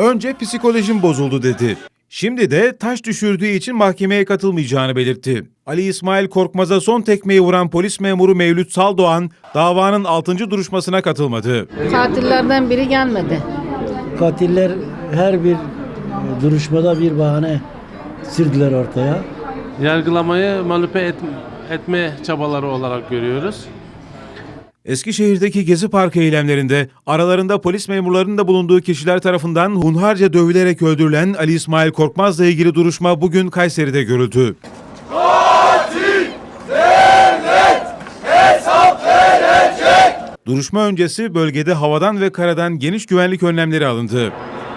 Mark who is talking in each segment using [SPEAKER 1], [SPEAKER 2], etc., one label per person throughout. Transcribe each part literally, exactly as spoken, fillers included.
[SPEAKER 1] Önce psikolojim bozuldu dedi. Şimdi de taş düşürdüğü için mahkemeye katılmayacağını belirtti. Ali İsmail Korkmaz'a son tekmeyi vuran polis memuru Mevlüt Saldoğan davanın altıncı duruşmasına katılmadı.
[SPEAKER 2] Katillerden biri gelmedi.
[SPEAKER 3] Katiller her bir duruşmada bir bahane sürdüler ortaya.
[SPEAKER 4] Yargılamayı manipüle et, etme çabaları olarak görüyoruz.
[SPEAKER 1] Eskişehir'deki Gezi Parkı eylemlerinde aralarında polis memurlarının da bulunduğu kişiler tarafından hunharca dövülerek öldürülen Ali İsmail Korkmaz'la ilgili duruşma bugün Kayseri'de görüldü.
[SPEAKER 5] Katil devlet hesap verecek.
[SPEAKER 1] Duruşma öncesi bölgede havadan ve karadan geniş güvenlik önlemleri alındı.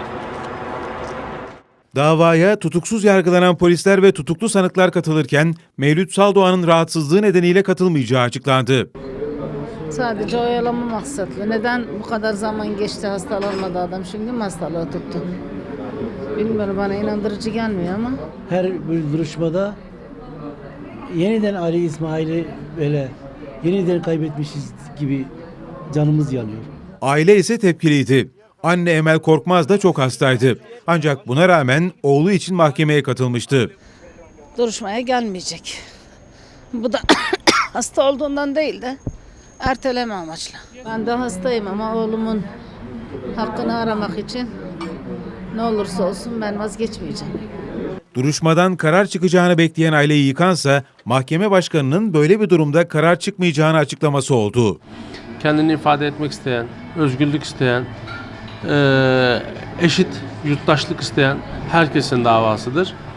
[SPEAKER 1] Davaya tutuksuz yargılanan polisler ve tutuklu sanıklar katılırken Mevlüt Saldoğan'ın rahatsızlığı nedeniyle katılmayacağı açıklandı.
[SPEAKER 2] Sadece oyalama maksatlı. Neden bu kadar zaman geçti hastalanmadı adam, şimdi mi hastalığı tuttu? Bilmiyorum, bana inandırıcı gelmiyor ama.
[SPEAKER 3] Her bir duruşmada yeniden Ali İsmail'i böyle yeniden kaybetmişiz gibi canımız yanıyor.
[SPEAKER 1] Aile ise tepkiliydi. Anne Emel Korkmaz da çok hastaydı. Ancak buna rağmen oğlu için mahkemeye katılmıştı.
[SPEAKER 2] Duruşmaya gelmeyecek. Bu da hasta olduğundan değil de erteleme amaçlı. Ben de hastayım ama oğlumun hakkını aramak için ne olursa olsun ben vazgeçmeyeceğim.
[SPEAKER 1] Duruşmadan karar çıkacağını bekleyen aileyi yıkansa mahkeme başkanının böyle bir durumda karar çıkmayacağını açıklaması oldu.
[SPEAKER 4] Kendini ifade etmek isteyen, özgürlük isteyen, eşit yurttaşlık isteyen herkesin davasıdır.